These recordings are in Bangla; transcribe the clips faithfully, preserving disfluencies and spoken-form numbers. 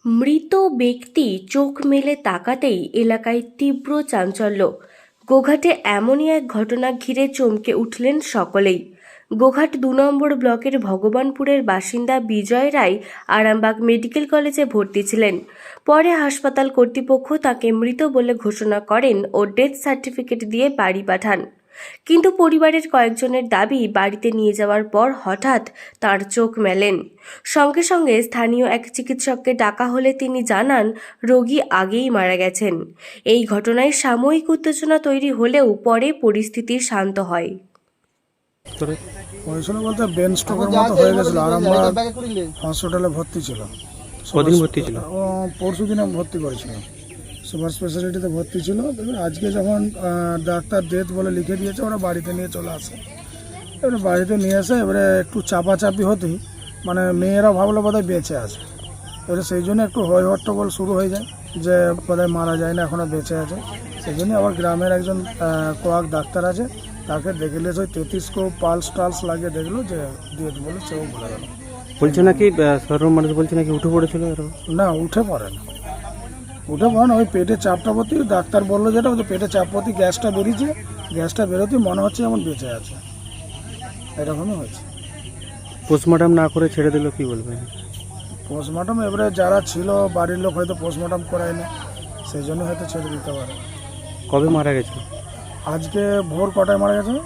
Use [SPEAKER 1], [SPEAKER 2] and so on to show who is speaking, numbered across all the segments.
[SPEAKER 1] মৃত ব্যক্তি চোখ মেলে তাকাতেই এলাকায় তীব্র চাঞ্চল্য। গোঘাটে এমনই এক ঘটনা ঘিরে চমকে উঠলেন সকলেই। গোঘাট দু নম্বর ব্লকের ভগবানপুরের বাসিন্দা বিজয় রায় আরামবাগ মেডিকেল কলেজে ভর্তি ছিলেন। পরে হাসপাতাল কর্তৃপক্ষ তাকে মৃত বলে ঘোষণা করেন ও ডেথ সার্টিফিকেট দিয়ে বাড়ি পাঠান। কিন্তু পরিবারের কয়েকজনের দাবি, বাড়িতে নিয়ে যাওয়ার পর হঠাৎ তার চোখ মেলেন। সঙ্গে সঙ্গে স্থানীয় এক চিকিৎসককে ডাকা হলে তিনি জানান রোগী আগেই মারা গেছেন। এই ঘটনায় সাময়িক উত্তেজনা তৈরি হলেও পরে পরিস্থিতি শান্ত হয়।
[SPEAKER 2] হয়েছিল বলতে ব্রেন স্ট্রোকের মতো হয়ে গেছিল। আরামবাগ হসপিটালে ভর্তি ছিল।
[SPEAKER 3] কদিন ভর্তি ছিল?
[SPEAKER 2] ও পরশু দিনে ভর্তি করেছিল, সুপার স্পেশালিটিতে ভর্তি ছিল। আজকে যখন ডাক্তার ডেথ বলে লিখে দিয়েছে, ওরা বাড়িতে নিয়ে চলে আসে। এবারে বাড়িতে নিয়ে এসে এবারে একটু চাপাচাপি হতেই মানে মেয়েরা ভাবলো বোধহয় বেঁচে আছে। এবারে সেই জন্য একটু হই হট্টগোল শুরু হয়ে যায় যে বোধহয় মারা যায় না, এখনও বেঁচে আছে। সেই জন্য আবার গ্রামের একজন কোয়াক ডাক্তার আছে, তাকে দেখলে ওই তেত্রিশকো পালস টালস লাগিয়ে দেখলো যে ডেথ বলে, সেও বলে গেল।
[SPEAKER 3] বলছে নাকি সাধারণ মানুষ বলছে নাকি উঠে পড়েছিল।
[SPEAKER 2] না, উঠে পড়ে না, উঠে পড়ে না। ওই পেটে চাপটা প্রতি ডাক্তার বললো যেটা ওই পেটে চাপ প্রতি গ্যাসটা বেরিয়েছে, গ্যাসটা বেরোতে মনে হচ্ছে যেমন বেঁচে আছে, এরকমই হয়েছে।
[SPEAKER 3] পোস্টমর্টম না করে ছেড়ে দিল, কি বলবেন?
[SPEAKER 2] পোস্টমর্টম এবারে যারা ছিল বাড়ির লোক হয়তো পোস্টমর্টম করায়নি, সেই জন্য হয়তো ছেড়ে দিতে পারে।
[SPEAKER 3] কবে মারা গেছে?
[SPEAKER 2] আজকে ভোর কটায় মারা গেছে?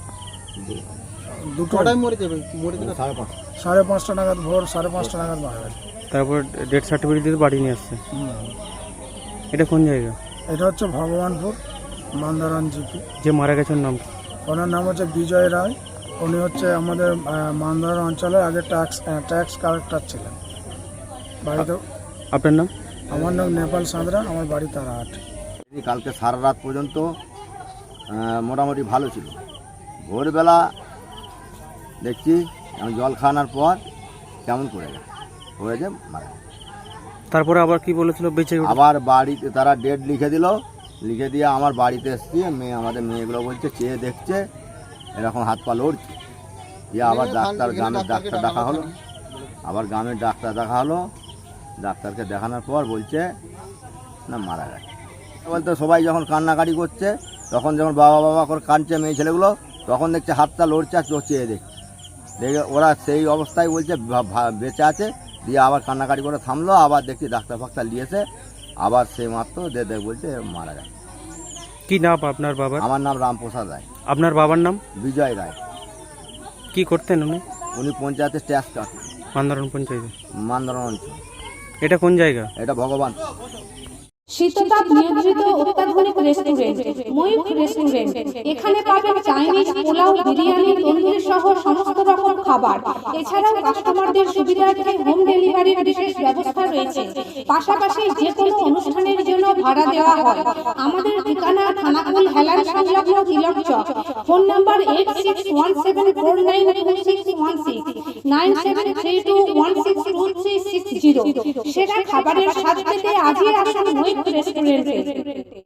[SPEAKER 2] দুটো সাড়ে পাঁচটা নাগাদ, ভোর সাড়ে পাঁচটা নাগাদ মারা গেছে।
[SPEAKER 3] তারপর ডেথ সার্টিফিকেট দিয়ে বাড়ি নিয়ে আসছে। এটা কোন জায়গা?
[SPEAKER 2] এটা হচ্ছে ভগবানপুর মান্দারান জিপি।
[SPEAKER 3] যে মারা গেছেন নাম?
[SPEAKER 2] ওনার নাম হচ্ছে বিজয় রায়। উনি হচ্ছে আমাদের মান্দারান অঞ্চলের আগে ট্যাক্স ট্যাক্স কালেক্টর ছিলেন। বাড়িতে
[SPEAKER 3] আপনার নাম?
[SPEAKER 2] আমার নাম নেপাল সাঁতরা, আমার বাড়ি তারাহাট।
[SPEAKER 4] কালকে সারা রাত পর্যন্ত মোটামুটি ভালো ছিল। ভোরবেলা দেখছি জল খাওয়ানোর পর কেমন করে যায় হয়ে যায় মারা।
[SPEAKER 3] তারপরে আবার কি বলেছিল বেঁচে?
[SPEAKER 4] আবার বাড়িতে তারা ডেট লিখে দিল, লিখে দিয়ে আমার বাড়িতে এসছি। মেয়ে আমাদের মেয়েগুলো বলছে চেয়ে দেখছে, এরকম হাত পা লড়ছে। দিয়ে আবার ডাক্তার গ্রামের ডাক্তার দেখা হলো, আবার গ্রামের ডাক্তার দেখা হলো। ডাক্তারকে দেখানোর পর বলছে না মারা গেছে। বলতে সবাই যখন কান্নাকাটি করছে, তখন যখন বাবা বাবা করে কাঁদছে মেয়ে ছেলেগুলো, তখন দেখছে হাতটা লড়ছে আর চোখ চেয়ে দেখছে। দেখে ওরা সেই অবস্থায় বলছে বেঁচে আছে। দিয়ে আবার কান্নাকাটি করে থামলো, আবার দেখছি ডাক্তার ফাক্তার নিয়েছে, আবার সেই মাত্র দে দেখ বলছে মারা গেছে।
[SPEAKER 3] কি নাম আপনার বাবার?
[SPEAKER 4] আমার নাম রামপ্রসাদ রায়।
[SPEAKER 3] আপনার বাবার নাম?
[SPEAKER 4] বিজয় রায়।
[SPEAKER 3] কি করতেন উনি?
[SPEAKER 4] উনি পঞ্চায়েতের ট্যাক্স কাটতেন।
[SPEAKER 3] মান্দারণ পঞ্চায়েতে?
[SPEAKER 4] মান্দারণ অঞ্চল।
[SPEAKER 3] এটা কোন জায়গা?
[SPEAKER 4] এটা ভগবান।
[SPEAKER 5] শীততাপ নিয়ন্ত্রিত অত্যাধুনিক রেস্টুরেন্ট ময়ূখ রেস্টুরেন্ট। এখানে পাবেন চাইনিজ, পোলাও, বিরিয়ানি, তন্দুরি সহ সমস্ত রকম খাবার। এছাড়াও কাস্টমারদের সুবিধার্থে হোম ডেলিভারির বিশেষ ব্যবস্থা রয়েছে। পাশাপাশি যে কোনো অনুষ্ঠানের জন্য ভাড়া দেওয়া হয়। আমাদের ঠিকানা থানাকুল হেলান সংলগ্ন Tilak Chak. Phone number eight six one seven four nine two six one six, nine seven three two one six two three six zero. সেরা খাবারের স্বাদ পেতে আজই আসুন ময়ূখ রেস্টুরেন্টে।